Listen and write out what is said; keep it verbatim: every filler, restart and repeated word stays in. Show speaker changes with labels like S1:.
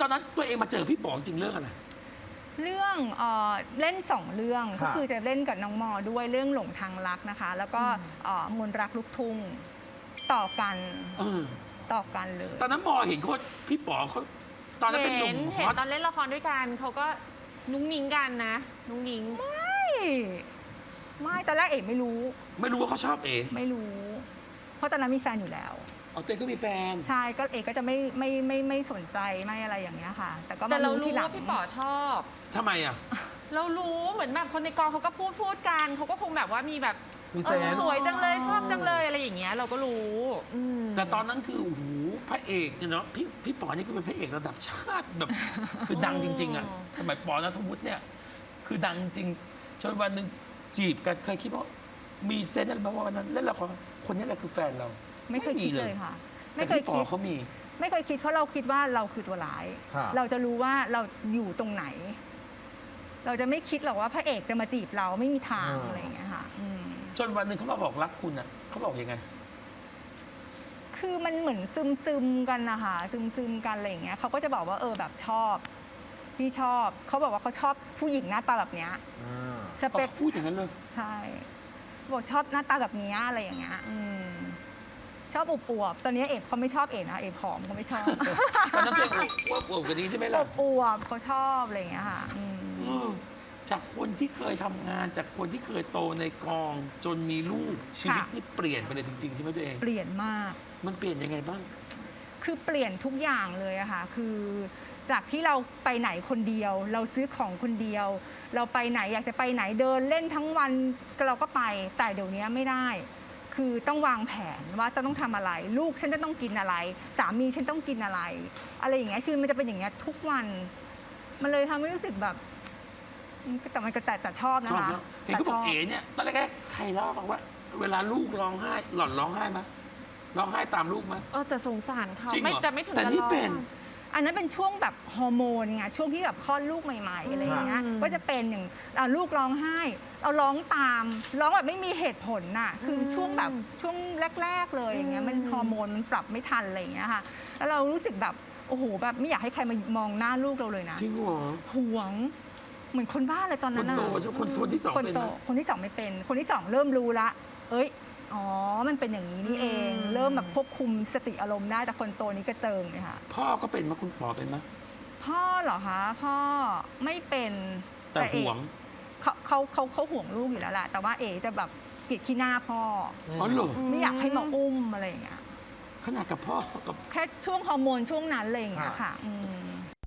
S1: ตอนนั้นตัวเองมาเจอพี่ป๋องจริงเรื่องอะไร
S2: เรื่องเอ่อเล่นสองเรื่องก็คือจะเล่นกับน้องมอด้วยเรื่องหลงทางรักนะคะ แล้วก็มนต์รักลูกทุ่งต่อกันต่อกันเลย
S1: ตอนนั้นมอเห็นเขาพี่ป๋องเขาตอนนั้นเป็นหนุ่ม
S3: เห็นตอนเล่นละครด้วยกันเขาก็นุ้งนิ้งกันนะนุ้งนิ้ง
S2: ไม่ไม่ตอนแรกเอ๋ไม่รู้
S1: ไม่รู้ว่าเขาชอบเอ๋
S2: ไม่รู้ เพราะตอนนั้นมีแฟนอยู่แล้ว
S1: อ๋อเต้ก็มีแฟน
S2: ใช่ก็เอกก็จะไม่ไม่ไม่ไม่สนใจไม่อะไรอย่างเงี้ยค่ะ แต่ก็
S3: มา
S2: รู้
S3: ที่หลังพี่ป๋อชอบ
S1: ทำไมอ่ะ
S3: เรารู้เหมือนแบบคนในกองเขาก็พูดพูดกันเขาก็คงแบบว่ามีแบบสวยจังเลยชอบจังเลยอะไรอย่างเงี้ยเราก็รู้
S1: แต่ตอนนั้นคือโอ้โหพระเอกเนาะพี่พี่ป๋อนี่ก็เป็นพระเอกระดับชาติแบบคือดังจริงๆอ่ะสมัยป๋อณัฐวุฒิเนี่ยคือดังจริงจนวันหนึ่งจีบกันเคยคิดว่ามีเซนส์อะไรบ้างว่าวันนั้นเล่นละครคนนี้แหละคือแฟนเรา
S2: ไม่เคยคิดเลยค่ะ
S1: ไม่เคยคิดเขามี
S2: ไม่เคยคิดเพราะเราคิดว่าเราคือตัวร้ายเราจะรู้ว่าเราอยู่ตรงไหน เราจะไม่คิดหรอกว่าพระเอกจะมาจีบเราไม่มีทางอะไรอย่างเงี้ยค่ะ
S1: จนวันหนึ่งเขามาบอกรักคุณอ่ะเขาบอกยังไง
S2: คือมันเหมือนซึมซึมกันนะคะซึมซึมกันอะไรอย่างเงี้ยเขาก็จะบอกว่าเออแบบชอบพี่ชอบเขาบอกว่าเขาชอบผู้หญิงหน้าตาแบบเนี้ย
S1: สเปคพูดอย่างนั้นเลย
S2: ใช่บอกชอบหน้าตาแบบนี้อะไรอย่างเงี้ยชอบอวบๆตอนนี้เอฟเขาไม่ชอบเอนะเอฟผอมเขาไม่ชอบ
S1: ตอนนั้นเป็นอวบอวบกันนี้ใช่ไหมล่ะ
S2: อวบเขาชอบอะไรอย่างเงี้ยค่ะ
S1: จากคนที่เคยทำงานจากคนที่เคยโตในกองจนมีลูกชีวิตนี่เปลี่ยนไปเลยจริงๆใช่ไหมตัวเอง
S2: เปลี่ยนมาก
S1: มันเปลี่ยนยังไงบ้าง
S2: คือเปลี่ยนทุกอย่างเลยอะค่ะคือจากที่เราไปไหนคนเดียวเราซื้อของคนเดียวเราไปไหนอยากจะไปไหนเดินเล่นทั้งวันเราก็ไปแต่เดี๋ยวนี้ไม่ได้คือต้องวางแผนว่าจะต้องทำอะไรลูกฉันจะต้องกินอะไรสามีฉันต้องกินอะไรอะไรอย่างเงี้ยคือมันจะเป็นอย่างเงี้ยทุกวันมันเลยทำให้รู้สึกแบบแต่มันก็แต่แต่ชอบนะคะ
S1: เห็นเขาบอกเอ๋เนี่ยตอนแรกใครเล่าฟังว่าเวลาลูกร้องไห้หล่อนร้องไห้ไหมร้องไห้ตามลูกไหม
S3: เออแต่สงสารเขาไม่แต่ไม่ถึง
S1: แต่นี่เป็น
S2: อันนั้นเป็นช่วงแบบฮอร์โมนไงช่วงที่แบบคลอดลูกใหม่ๆอะไรอย่างเงี้ยก็จะเป็นอย่างลูกร้องไห้เราร้องตามร้องแบบไม่มีเหตุผลน่ะคือช่วงแบบช่วงแรกๆเลยอย่างเงี้ยมันฮอร์โมนมันปรับไม่ทันอะไรอย่างเงี้ยค่ะแล้วเรารู้สึกแบบโอ้โหแบบไม่อยากให้ใครมามองหน้าลูกเราเลยนะ
S1: จริงเหรอ
S2: ห่วงเหมือนคนบ้าเลยตอนนั้น
S1: น่ะคนโตใช่คนคนที่สอง
S2: เป็นคนที่สองไม่เป็นคนที่สองเริ่มรู้ละเอ้ยอ๋อมันเป็นอย่างนี้นี่เองเริ่มแบบควบคุมสติอารมณ์ได้แต่คนโตนี้กระเจิงเลยค่ะ
S1: พ่อก็เป็นมั้ยคุณป๋อเป็นมั้ย
S2: พ่อเหรอคะพ่อไม่เป็น
S1: แต่ห่วง
S2: เขาเขาเขาเขาห่วงลูกอยู่แล้วแหละแต่ว่าเอ๋จะแบบเกลียดขี้หน้าพ่อ
S1: อ๋อเหรอ
S2: ไม่อยากให้มาอุ้มอะไรอย่างเงี้ย
S1: ขนาดกับพ่อกับ
S2: แค่ช่วงฮอร์โมนช่วงนั้นเลยอย่างเงี้ยค่ะ